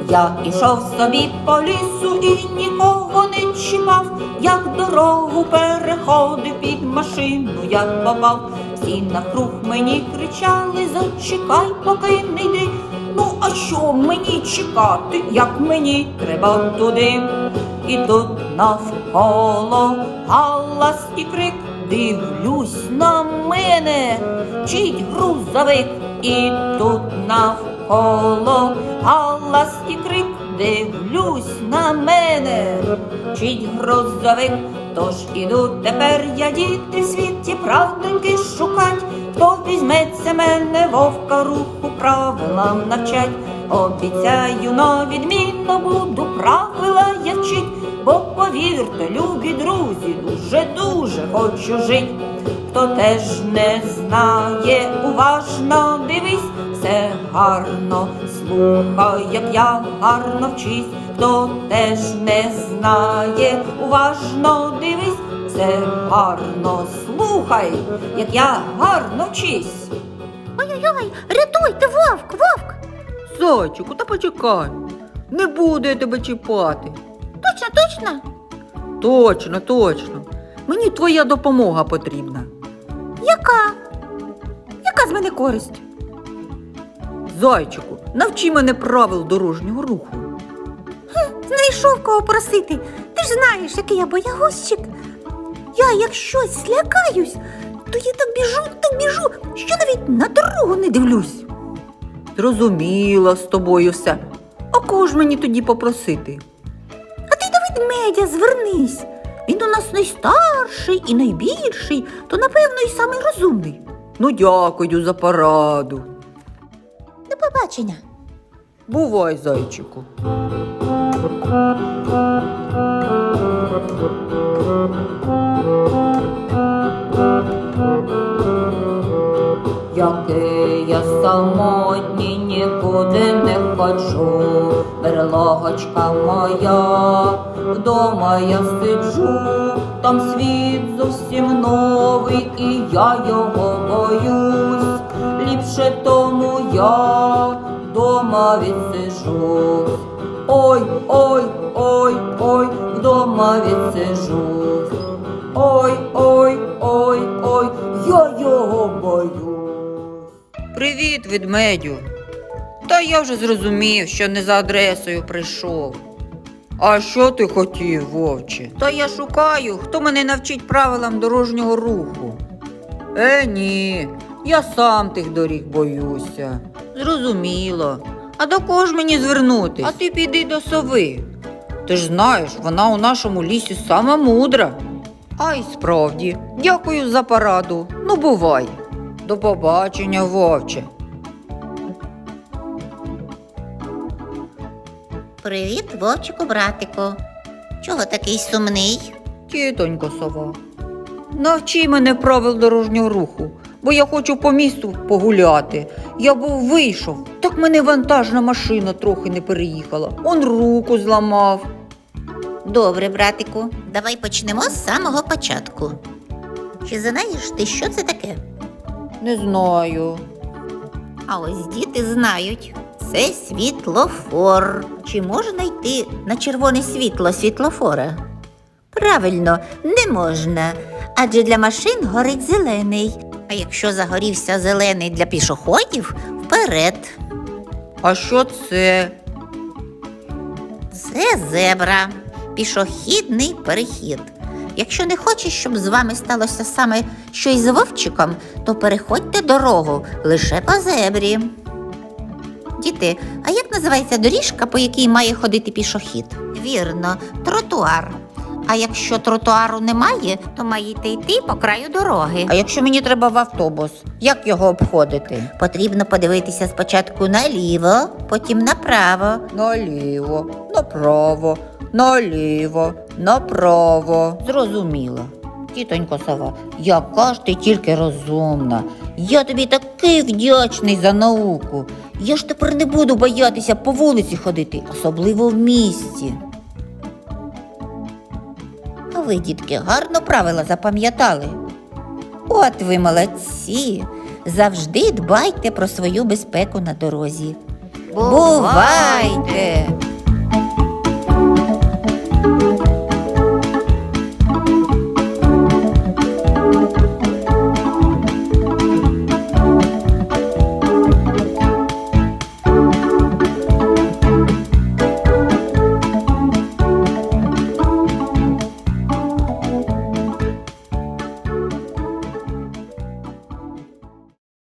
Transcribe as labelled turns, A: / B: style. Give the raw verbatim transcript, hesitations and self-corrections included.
A: Я ішов собі по лісу і нікого не чіпав, як дорогу переходив, під машину я попав. Всі навкруг мені кричали: зачекай, поки не йди. Ну а що мені чекати, як мені треба туди? І тут навколо галас і крик, дивлюсь на мене, мчить грузовик. І тут навколо галас і крик, дивлюсь на мене, мчить грузовик. Тож іду тепер я, діти, в світі правдоньки шукать, хто візьметься мене вовка руху правилам навчать. Обіцяю, на відмінно буду правила я вчить, бо повірте, любі друзі, дуже-дуже хочу жить. Хто теж не знає, уважно дивись, все гарно слухай, як я гарно вчись. Хто теж не знає, уважно дивись, все гарно слухай, як я гарно вчись.
B: Ой-ой-ой, рятуйте, вовк, вовк!
C: Зайчику, та почекай, не буду я тебе чіпати.
B: Точно, точно?
C: Точно, точно, мені твоя допомога потрібна.
B: Яка? Яка з мене користь?
C: Зайчику, навчи мене правил дорожнього руху.
B: Знайшов кого просити. Ти ж знаєш, який я боягузчик. Я як щось злякаюсь, то я так біжу, так біжу, що навіть на дорогу не дивлюсь.
C: Зрозуміла з тобою все. А кого ж мені тоді попросити?
B: А ти до ведмедя звернись. Він у нас найстарший і найбільший, то, напевно, і самий розумний.
C: Ну, дякую за пораду.
B: До побачення.
C: Бувай, зайчику.
A: Який я самотній, нікуди не ходжу, берлогочка моя, вдома я сиджу, там світ зовсім новий, і я його боюсь, ліпше тому я вдома відсиджусь. Ой, ой, ой, ой, вдома відсиджусь. Ой, ой, ой, ой, я його боюсь.
C: Привіт, ведмедю. Та я вже зрозумів, що не за адресою прийшов. А що ти хотів, вовче? Та я шукаю, хто мене навчить правилам дорожнього руху. Е, ні, я сам тих доріг боюся. Зрозуміло. А до кого ж мені звернутись? А ти піди до сови. Ти ж знаєш, вона у нашому лісі сама мудра. А й справді, дякую за пораду. Ну, бувай. До побачення, вовче.
B: Привіт, вовчику, братику. Чого такий сумний?
C: Тітонько сова, навчи мене правил дорожнього руху, бо я хочу по місту погуляти. Я був вийшов, так мене вантажна машина трохи не переїхала. Он руку зламав.
B: Добре, братику, давай почнемо з самого початку. Чи знаєш ти, що це таке?
C: Не знаю.
B: А ось діти знають. Це світлофор. Чи можна йти на червоне світло світлофора? Правильно, не можна, адже для машин горить зелений. А якщо загорівся зелений для пішоходів, вперед.
C: А що це?
B: Це зебра, пішохідний перехід. Якщо не хочеш, щоб з вами сталося саме щось з вовчиком, то переходьте дорогу лише по зебрі. Діти, а як називається доріжка, по якій має ходити пішохід? Вірно, тротуар. А якщо тротуару немає, то маєте йти по краю дороги.
C: А якщо мені треба в автобус, як його обходити?
B: Потрібно подивитися спочатку наліво, потім направо.
C: Наліво, направо, наліво, направо. Зрозуміло. Тітонько сова, яка ж ти тільки розумна. Я тобі такий вдячний за науку. Я ж тепер не буду боятися по вулиці ходити, особливо в місті.
B: А ви, дітки, гарно правила запам'ятали. От ви молодці! Завжди дбайте про свою безпеку на дорозі. Бувайте!